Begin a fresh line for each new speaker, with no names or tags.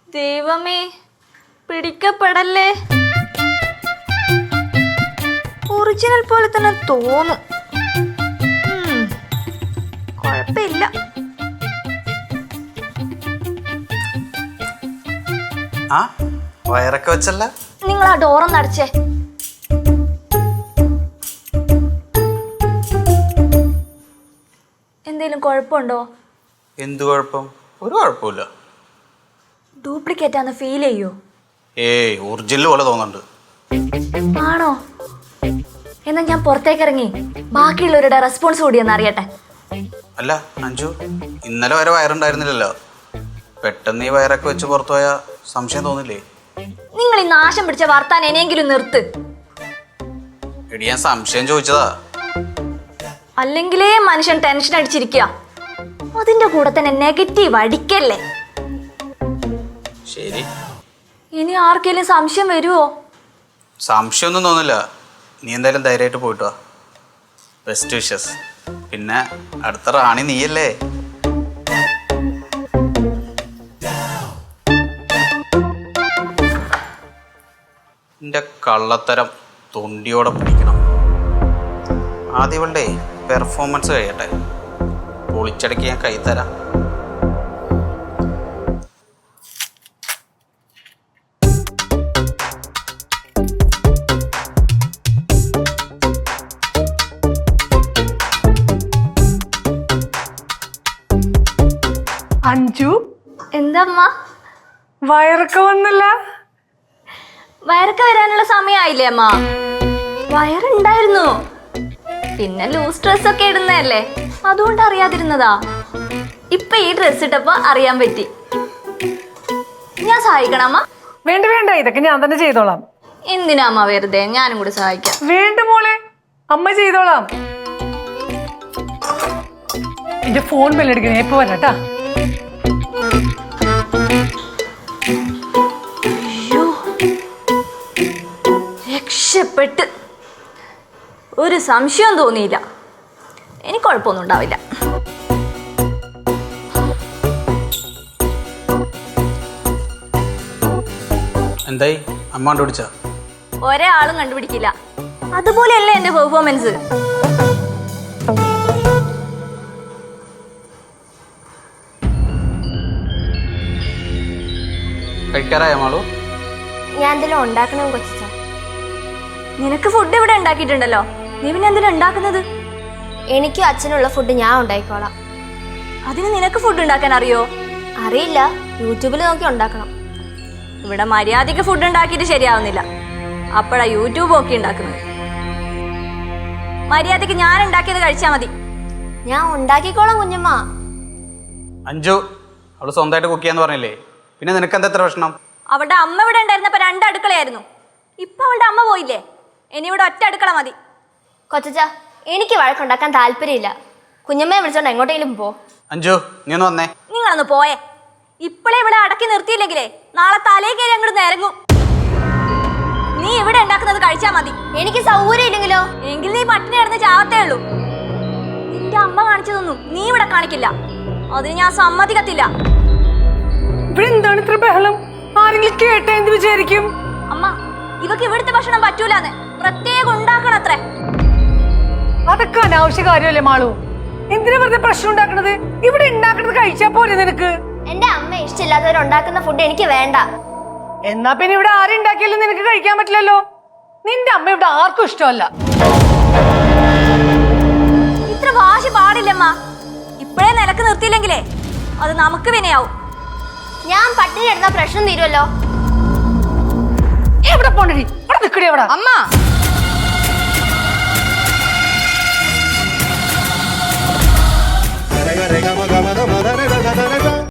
ദൈവമേ, പിടിക്കപ്പെടല്ലേ. ഒറിജിനൽ പോലെ തന്നെ തോന്നും. കുഴപ്പമില്ല.
ആ വയറൊക്കെ വെച്ചല്ല.
നിങ്ങൾ ആ ഡോറൊന്ന് അടച്ചേ. എന്തേലും കുഴപ്പമുണ്ടോ?
എന്ത് കുഴപ്പം? ഒരു കുഴപ്പമില്ല.
ഡ്യൂപ്ലിക്കേറ്റ് ആണെന്ന് ഫീൽ ചെയ്യോ?
ഏയ് ഒറിജിനൽ പോലെ തോന്നുന്നുണ്ട്.
ആണോ? എന്നാ ഞാൻ പുറത്തേക്ക് ഇറങ്ങി ബാക്കിയുള്ളവരുടെ റെസ്പോൺസ് കൂടി ഒന്ന് അറിയട്ടെ.
അല്ല അഞ്ജു, ഇന്നലെ വരെ വയറുണ്ടായിരുന്നില്ലല്ലോ. പെട്ടെന്ന് ഈ വയറൊക്കെ വെച്ച് പുറത്തു പോയാൽ സംശയം തോന്നില്ലേ?
നിങ്ങൾ ഈ നാശം പിടിച്ച വർത്താൻ എനെങ്കിലും നിർത്ത്.
എടി ഞാൻ സംശയം ചോദിച്ചതാ.
അല്ലെങ്കിലേ മനുഷ്യൻ ടെൻഷൻ അടിച്ചിരിക്കുക. അതിന്റെ കൂടെ തന്നെ നെഗറ്റീവ് അടിക്കല്ലേ.
ശരി,
ഇനി ആർക്കെങ്കിലും സംശയം വരുമോ?
സംശയമൊന്നും തോന്നില്ല. നീ എന്തായാലും ധൈര്യമായിട്ട് പോയിട്ട് വാ. Best wishes. പിന്നെ അടുത്ത റാണി നീയല്ലേ? എൻ്റെ കള്ളത്തരം തൊണ്ടിയോടെ പിടിക്കണം. ആദ്യം ഇവളുടെ പെർഫോമൻസ് കഴിയട്ടെ. പൊളിച്ചടക്കി ഞാൻ കൈ തരാം.
അഞ്ജു,
എന്താമ്മ?
വയറൊക്കെ വന്നില്ല?
വയറൊക്കെ വരാനുള്ള സമയമായില്ലേ അമ്മ? വയറുണ്ടായിരുന്നു, പിന്നെ ലൂസ് ഡ്രസ്സൊക്കെ ഇടുന്നതല്ലേ, അതുകൊണ്ട് അറിയാതിരുന്നതാ. ഇപ്പൊ ഈ ഡ്രസ് ഇട്ടപ്പോ അറിയാൻ പറ്റി. ഞാൻ സഹായിക്കണം അമ്മ?
വേണ്ട വേണ്ട, ഇതൊക്കെ ഞാൻ തന്നെ ചെയ്തോളാം.
എന്തിനാ അമ്മ വെറുതെ? ഞാനും കൂടി സഹായിക്കാം.
വേണ്ട മോളെ, അമ്മ ചെയ്തോളാം. എന്റെ ഫോൺ ബെല്ലടിക്കണേ, ഇപ്പൊ വരാട്ടാ.
രക്ഷപ്പെട്ട്. ഒരു സംശയം തോന്നിയില്ല. എനിക്ക് കുഴപ്പമൊന്നും ഉണ്ടാവില്ല.
എന്തായി, അമ്മ കണ്ടുപിടിച്ച?
ഒരാളും കണ്ടുപിടിക്കില്ല. അതുപോലെയല്ലേ എന്റെ പെർഫോമൻസ്.
കഴിക്കാറായ മാളു?
ഞാൻ എന്തെങ്കിലും ഉണ്ടാക്കണം കൊച്ചാ.
നിനക്ക് ഫുഡ് ഇവിടെ ഉണ്ടാക്കിയിട്ടുണ്ടല്ലോ, നീ പിന്നെ എന്തിനാ ഉണ്ടാക്കുന്നത്?
എനിക്കും അച്ഛനുള്ള ഫുഡ് ഞാൻ ഉണ്ടാക്കിക്കോളാം.
അതിന് നിനക്ക് ഫുഡ് ഉണ്ടാക്കാൻ അറിയോ?
അറിയില്ല, യൂട്യൂബിൽ നോക്കി ഉണ്ടാക്കണം.
ഇവിടെ മര്യാദയ്ക്ക് ഫുഡ് ഉണ്ടാക്കിയിട്ട് ശരിയാവുന്നില്ല, അപ്പോഴാ യൂട്യൂബ് ഒക്കെ ഉണ്ടാക്കുന്നത്. മര്യാദയ്ക്ക് ഞാൻ ഉണ്ടാക്കിയത് കഴിച്ചാ മതി.
ഞാൻ ഉണ്ടാക്കിക്കോളാം കുഞ്ഞമ്മ.
അഞ്ജു, അവള് സ്വന്തമായിട്ട് കുക്ക് ചെയ്യാന്ന് പറഞ്ഞില്ലേ, പിന്നെ നിനക്ക് എന്താ എത്ര പ്രശ്നം?
അവളുടെ അമ്മ ഇവിടെ ഉണ്ടായിരുന്നപ്പോ 2 അടുക്കളയായിരുന്നു. ഇപ്പൊ അവളുടെ അമ്മ പോയില്ലേ, ഇനി ഇവിടെ ഒറ്റ അടുക്കള മതി.
കൊച്ചാ, എനിക്ക് വഴക്കുണ്ടാക്കാൻ താല്പര്യമില്ല. കുഞ്ഞമ്മയെ വിളിച്ചോണ്ട് എങ്ങോട്ടെങ്കിലും പോ.
അഞ്ജു, നീ ഒന്ന് വന്നേ.
നിങ്ങളൊന്ന് പോയേ. ഇപ്പോഴേ ഇവിടെ അടക്കി നിർത്തിയില്ലെങ്കിലേ നാളെ തലേ കയറി അങ്ങോട്ട് ഇറങ്ങും. നീ ഇവിടെ ഉണ്ടാക്കുന്നത് കഴിച്ചാ മതി.
എനിക്ക് സൗകര്യം ഇല്ലെങ്കിലോ?
എങ്കിൽ നീ പട്ടിണി കിടന്ന് ചാവത്തേ ഉള്ളൂ. നിന്റെ അമ്മ കാണിച്ചതൊന്നും നീ ഇവിടെ കാണിക്കില്ല, അതിന് ഞാൻ സമ്മതിക്കത്തില്ല.
ഇവിടെ എന്താണ് ഇത്ര ബഹളം? ആരെങ്കിലും കേട്ടാ എന്ത് വിചാരിക്കും?
അമ്മ, ഇവക്ക് ഇവിടുത്തെ ഭക്ഷണം പറ്റൂലെന്ന് പ്രത്യേകം ഉണ്ടാക്കണത്രേ.
അതൊക്കെ അനാവശ്യ കാര്യമല്ലേ മാളു? എന്തിനാ വെറുതെ പ്രശ്നം ഉണ്ടാക്കണത്? ഇവിടെ ഉണ്ടാക്കണത് കഴിച്ചാ പോരെ നിനക്ക്?
എന്റെ അമ്മ ഇഷ്ടമില്ലാത്തവരുണ്ടാക്കുന്ന ഫുഡ് എനിക്ക് വേണ്ട.
എന്നാ പിന്നെ ഇവിടെ ആരുണ്ടാക്കിയാലും നിനക്ക് കഴിക്കാൻ പറ്റില്ലല്ലോ. നിന്റെ അമ്മ ഇവിടെ ആർക്കും ഇഷ്ടമല്ല.
ഇത്ര വാശി പാടില്ലമ്മ. ഇപ്പോഴേ നിലക്ക് നിർത്തിയില്ലെങ്കിലേ അത് നമുക്ക് വിനയാവും.
ഞാൻ പട്ടിണി എടുത്ത പ്രശ്നം തീരുമല്ലോ.
എവിടെ പോണ്ടി? അവിടെ നിൽക്കണേ അവിടെ.
അമ്മ